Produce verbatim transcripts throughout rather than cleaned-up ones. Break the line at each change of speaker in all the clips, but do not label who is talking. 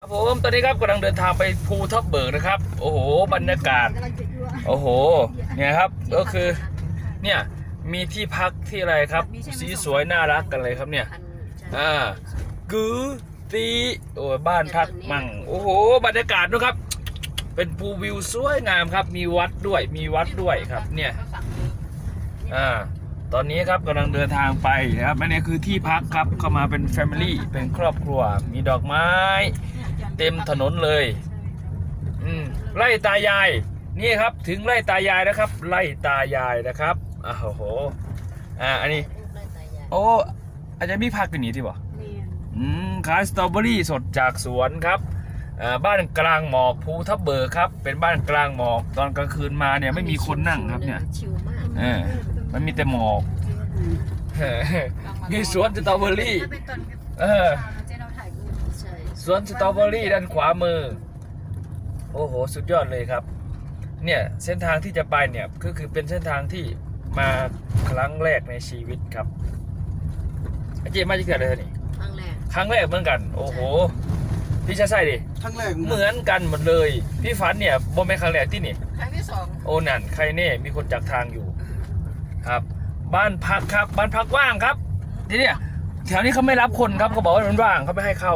ผมตอนนี้ครับกำลังเดินทางไปภูทับเบิกนะครับโอ้โหบรรยากาศโอ้โหเนี่ยครับก็คือเนี่ยมีที่พักที่อะไรครับสีสวยน่ารักกันเลยครับเนี่ยอ่ากือตีโอ้บ้านพักมั่งโอ้โหบรรยากาศนะครับเป็นภูวิวสวยงามครับมีวัดด้วยมีวัดด้วยครับเนี่ยอ่าตอนนี้ครับกำลังเดินทางไปนะครับอันนี้คือที่พักครับเข้ามาเป็นแฟมิลี่เป็นครอบครัวมีดอกไม้เต็มถนนเลยอืมไร่ตายายนี่ครับถึงไร่ตายายนะครับไร่ตายายนะครับอ้าวโหอ่าอันนี้โอ้อาจจะมีพักกันนี้ที่บ่อืมขายสตรอเบอรี่สดจากสวนครับอ่าบ้านกลางหมอกภูทับเบิกครับเป็นบ้านกลางหมอกตอนกลางคืนมาเนี่ยไม่มีคนนั่งครับเนี่ยเออมันมีแต่หมอกมีสวนสตรอเบอรี่เออสวนสตรอเบอรี่ด้านขวามือโอ้โหสุดยอดเลยครับเนี่ยเส้นทางที่จะไปเนี่ยก็คือเป็นเส้นทางที่มาครั้งแรกในชีวิตครับอาเจมาจะเกิดอะไรนี่ครั้งแรกครั้งแรกเหมือนกันโอ้โหพี่ชาใส่ดิครั้งแรกเหมือนกันหมดเลยพี่ฝันเนี่ยโมเมนต์ครั้งแรกที่นี่ครั้งที่สองโอ้นั่นใครเน่มีคนจากทางอยู่ครับบ้านพักครับบ้านพักว่างครับทีนี้แถวนี้เขาไม่รับคนครับเขาบอกว่ามันว่างเขาไม่ให้เข้า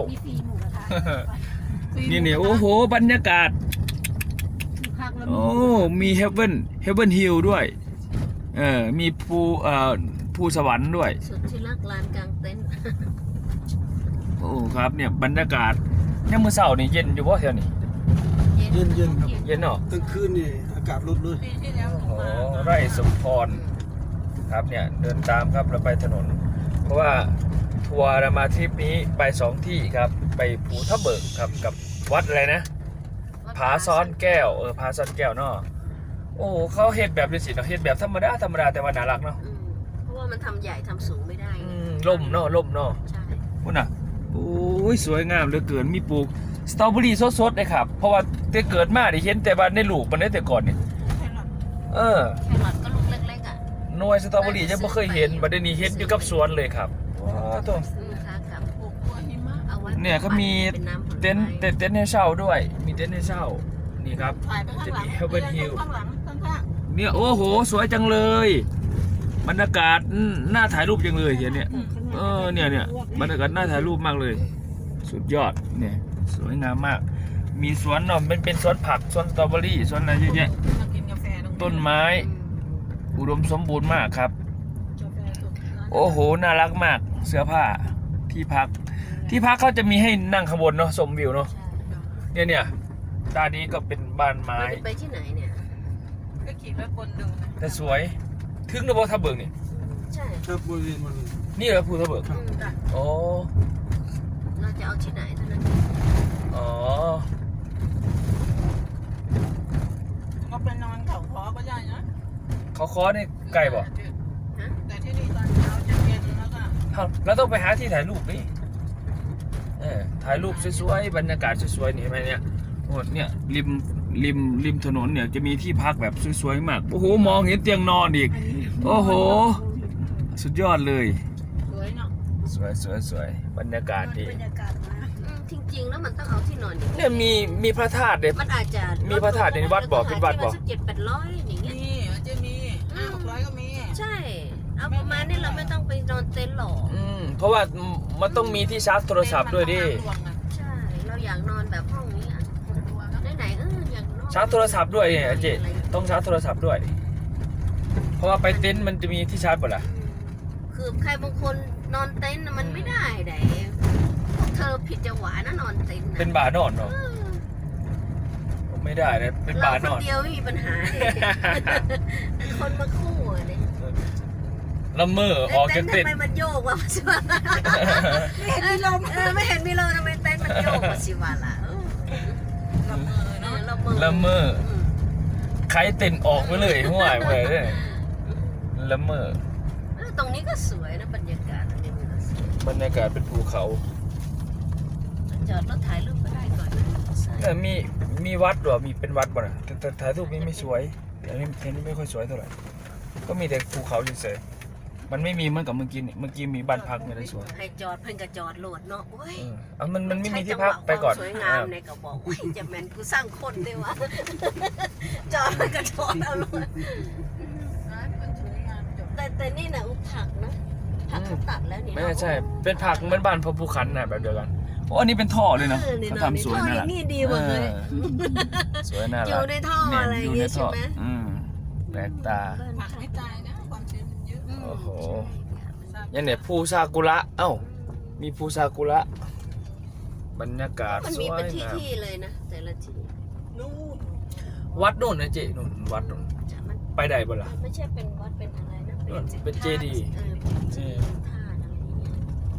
นี่เนี่ยโอ้โหบรรยากาศโอ้มีเฮเว่นเฮเว่นฮิลด้วยเออมีภูเอ่อภูสวรรค์ด้วยสุดที่รักลานกลางเต็นท์โอ้ครับเนี่ยบรรยากาศเนี่ยเมื่อเช้านี่เย็นอยู่ป่ะแถวนี้
เย็นเย็นครับ
เย็นเนาะ
กลางคืนนี่อากาศลดเลย
โอ้ไร่สมพรครับเนี่ยเดินตามครับเราไปถนนเพราะว่าทัวร์เรามาทริปนี้ไปสองที่ครับไปภูทับเบิกครับกับวัดอะไรนะผาซ้อนแก้วเออผาซ้อนแก้วเนาะโอ้เขาเฮ็ดแบบนี้สิเนาะเฮ็ดแบบธรรมดาธรรมดาแต่ว่าน่ารักเนาะ
เพราะว่ามันทำใหญ่ทำสูงไม่ได้
ล่มเนาะล่มเนาะใช่พุ่นน่ะโอ้ยสวยงามเหลือเกินมีปลูกสตรอเบอรี่สดๆเลยครับเพราะว่าแต่เกิดมาได้เห็นแต่ว่าในลูกมันได้แต่ก่อนเนี่ยเออ
แครอทก็ลูกเล็กๆอ่ะ
หน่วยสตรอเบอรี่ยังไม่เคยเห็นบัดนี้เห็นอยู่กับสวนเลยครับว้าวตัวเนี่ยเขามีเต็นท์เต็นท์ให้เช่าด้วยมีเต็นท์ให้เช่านี่ครับจะมีเฮลเบนฮิลเนี่ยโอ้โหสวยจังเลยบรรยากาศน่าถ่ายรูปจังเลยเนี่ยเออเนี่ยเนี่ยบรรยากาศน่าถ่ายรูปมากเลยสุดยอดเนี่ยสวยงามมากมีสวนเนาะเป็นเป็นสวนผักสวนสตรอเบอรี่สวนอะไรเยอะแยะต้นไม้อุดมสมบูรณ์มากครับโอ้โหน่ารักมากเสื้อผ้าที่พักที่พักเขาจะมีให้นั่งข้างบนเนาะชมวิวเนาะเนี่ยเนี่ยด้านนี้ก็เป็นบ้านไม้
ไปที่ไหนเนี่ย
ก็ขี่ไปบนดู
แต่สวยถึงระบบทับเบิกนี่
ใช่
ครับบริเวณมัน
นี่เหรอภูทับเบิกอ๋อ
เราจะเอาที่ไหนเท่านั้น
อ๋อ
ก็ไปนอนเขาคอก็ได้นะ
เขาคอนี่ไกลบ่
แต่ที่นี่ตอนเช้าจะเย็นแล้วก็
แล้วต้องไปหาที่ถ่ายรูปนี่ถ่ายรูปสวยๆบรรยากาศสวยๆนี่ไหมเนี่ยโอ้เนี่ยริมริมริมถนนเนี่ยจะมีที่พักแบบสวยๆมากโอ้โหมองเห็นเตียงนอนอีกโอ้โหสุดยอดเลย
สวยเนาะ
สวยสวยสวยบรรยากาศดี
จริงๆแล้วมันต้องเอาที่นอน
เนี่ยมีมีพระธาตุเนี่ย
มันอาจจะ
มีพระธาตุในวัดบ่เป็นวัดบ่
เจ็ดแปดร้อยอย่างเงี้ย
นี่จะมีห้าหกร้อยก็มี
ใช่เอาประมาณนี้เราไม่ต้องไปนอนเต็นท์หรอก
อืมเพราะว่ามันต้องมีที่ชาร์จโทรศัพท์ด้วยดิ
ใช่เราอยากนอนแบบห้องนี้อ่ะไหนๆเอออยากนอน
ชาร์จโทรศัพท์ด้วยเนี่ยเจต้องชาร์จโทรศัพท์ด้วยเพราะว่าไปเต็นท์มันจะมีที่ชาร์จหมดล่ะ
คือใครบางคนนอนเต็นท์มันไม่ได้ไหนเธอผิดจังหวะนะนอนเต็นท์
เป็นบาร์นอนเนาะไม่ได้เลยเป็นบาร์นอน
คนเดียวไม่มีปัญหาคนมาคู่เลย
ละเมอออกจากเต็นท์
ทำไมมันโยกวะสิวะไม่เห็นมีลมเออไม่เห็นมีลมทำไมเต็นท์มันโยกวะสิวะล่ะ
ละเมอเนาะ
ละเมอ
ละเมอใครเต็นท์ออกไปเลยห่วยไปเลยละเมอ
ตรงนี้ก็สวยนะบรรยากาศ
บรรยากาศเป็นภูเขา
จอดรถถ่ายรูปก็ได้ก่อนนะ
แต่มีมีวัดหรอมีเป็นวัดบ่นะแต่ถ่ายรูปนี้ไม่สวยอันนี้อันนี้ไม่ค่อยสวยเท่าไหร่ก็มีแต่ภูเขาเฉยมันไม่มีเหมือนกับเมื่อกี้นี่เมื่อกี้มีบ้านพักไม่ได้สวย
ให้จอดเพิ่นก็จอดโหลดเนาะโอ้ย
เออเอามันมันไม่มีที่พักไปก่อน
ใช้จังหวะความสวยงามในก็บอกโอ้ยจะแม่นกูสร้างคนได้วะ จอดมันก็จอดเอาโลด
ร้านมันสวยงามจบ
แต่แต่นี่นะผักนะผักเขาตัดแล้วนี่
ไม่ใช่เป็นผักเหมือนบ้านพระภูขันน่ะแบบเดียวกันโอ้อันนี้เป็นท่อเลยนะ
ออ
เขาทำสวย
ท่อ
น่ารัก
นี่ดีหมดเลย
เออสวยน่ารัก
อยู่ในท่ออะไรอย่างเงี้ยใช่ไหม
อืมแปลกตา
ผักไม่ตายนะความชื้นมันเยอะ
โอ้โห ยังเนี่ยภูซากุระเอ้า มีภูซากุระบรรยากาศ
มัน
ส
มี
วย
เป็นที่
งาม
ที่เลยนะแต่ละที่
นู่น
วัดโน่นนะเจนู่นวัดโน่น
จะมัน
ไปได้บ่ล่ะ
มันไม่ใช่เป็นวัดเป็นอะไรนะ
นู่นเป็นเจดีย์
เออเป็นเจดีย์เป็นท่าอะไรอย่างเงี้ย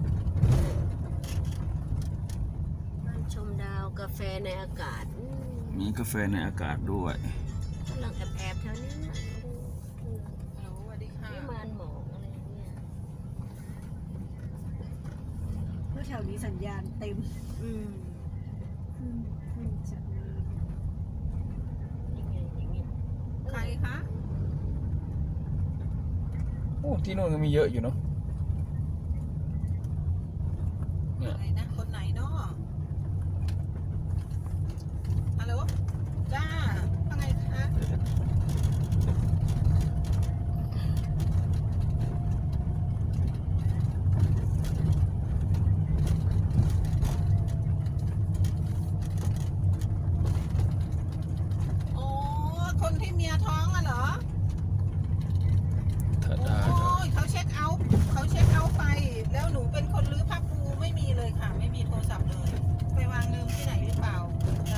บ้านชมดาวกาแฟในอากาศอืม
มีกาแฟในอากาศด้วย
กำลังแอบแอบๆแถวนี้นะอืม
ฮัลโหลสวัสดีค่ะ
วิมานหมอกอะไรอย่างเงี้ย
เพราะแถวนี้สัญญาณเต็ม
อืม
ขึ้นขึ้นจากนี้
ยังไงอย่างเงี้ย
ใครคะ
โอ้ที่นู่นก็มีเยอะอยู่เนาะเนี่ย
อะไรนะคนไหนเนาะฮัลโหลจ้าว่าไงคะโอ้คนที่เมียท้องอะเหรอ
ถ้าได้
โอ้ยเขาเช็คเอาท์เขาเช็คเอาท์ไป แล้วหนูเป็นคนรื้อผ้าปูไม่มีเลยค่ะ ไม่มีโทรศัพท์เลย ไปวางลืมที่ไหนหรือเปล่าจ้ะ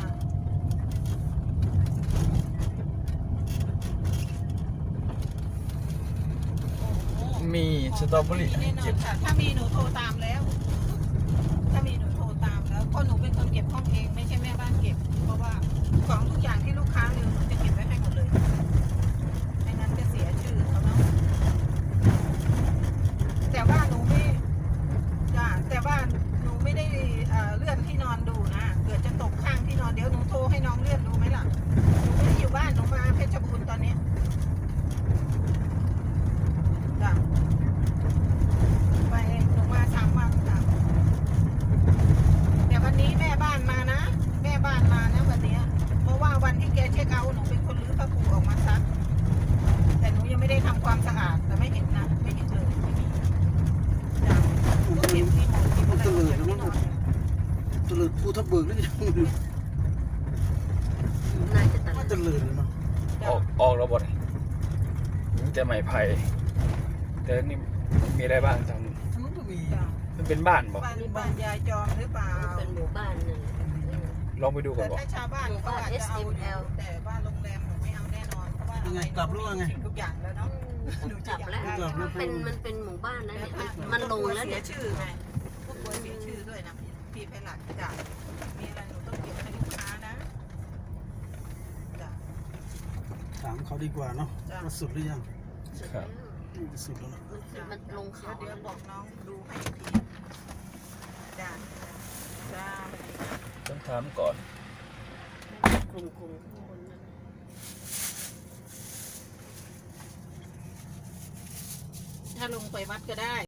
โอ้โห
มีสตรอเบอรี่
แน่นอ
เก็
น
บ
ค่ะถ้ามีหนูโทรตามแล้ว ถ้ามีหนูโทรตามแล้วเพราะหนูเป็นคนเก็บห้องเองไม่ใช่แม่บ้านเก็บ เพราะว่าของทุกอย่างที่ลูกค้าลืมหนูจะเก็บไว้ให้หมดเลยไม่งั้นจะเสียชื่อเขาเนาะแต่ว่าหนูไม่จ้ะแต่ว่าหนูไม่ได้เอ่อเลื่อนที่นอนดูนะเกิดจะตกข้างที่นอนเดี๋ยวหนูโทรให้น้องเลื่อนดูไหมล่ะหนูไม่ได้อยู่บ้านหนูมาเพชรบูรณ์ตอนนี้จ้ะไปหนูมาสามวันจ้ะแต่วันนี้แม่บ้านมานะ แม่บ้านมานะวันเนี้ยเพราะว่าวันที่แกเช็คเอาท์หนูเป็นคนรื้อผ้าปูออกมาซักแต่หนูยังไม่ได้ทำความสะอาดแต่ไม่เห็นนะไม่เห็นเลยไม่มีจ้ะก็เก็บที่หมอนที่อะไรออกจากที่นอน
ตะเลิดภูทับเบิกนี่ยังไม่รู้
น่าจะตลา
ว่า
ด
ตะเลิดเลยเนาะ
ออกออกแล้วบ่ได้มีแต่ไม้ไผ่แต่นี่มีอะไรบ้างทางนู้น
ทั้งนู้นก็มี
จ้ะ
มันเป็นบ้านบ่
บ้านบ้านยายจอมหรือเปล่า
เป็นหมู่บ้านนั่นแหละเออ
ลองไปดูก่อ
แต่
นบ่
ถ้าชาวบ้านเขาอาจจะเอาอยู่แต่ว่าโรงแรมหนูไม่เอาแน่นอนเพราะว่าอะไรหนูมีทุกอย่างแล้วเนาะ
อืมกลับแล้วมันเป็นมันเป็นหมู่บ้านแล้วเนี่ยมันมันลงแล้ว
เสี
เนี่ย ย
ชื่อไงผู้ป่วยเสียชื่อด้วยนะพี่ไพหลัดจ้ะมีอะไรหนูต้องเก็บให้ลูกค้านะจ้ะ
ถามเขาดีกว่าเนาะ
จ้ะ
ว่าสุดหรือยัง
ครับ
นี่จะสุดแล้วเนาะ
มันคือมันลงเขา
เดี๋ยวบอกน้องดูให้อีกทีจ้ะจ้า
ต้องถามก่อน
กลุ่มกลุ่มข้างบนนั่นน่ะ
ถ้าลงไปวัดก็ได้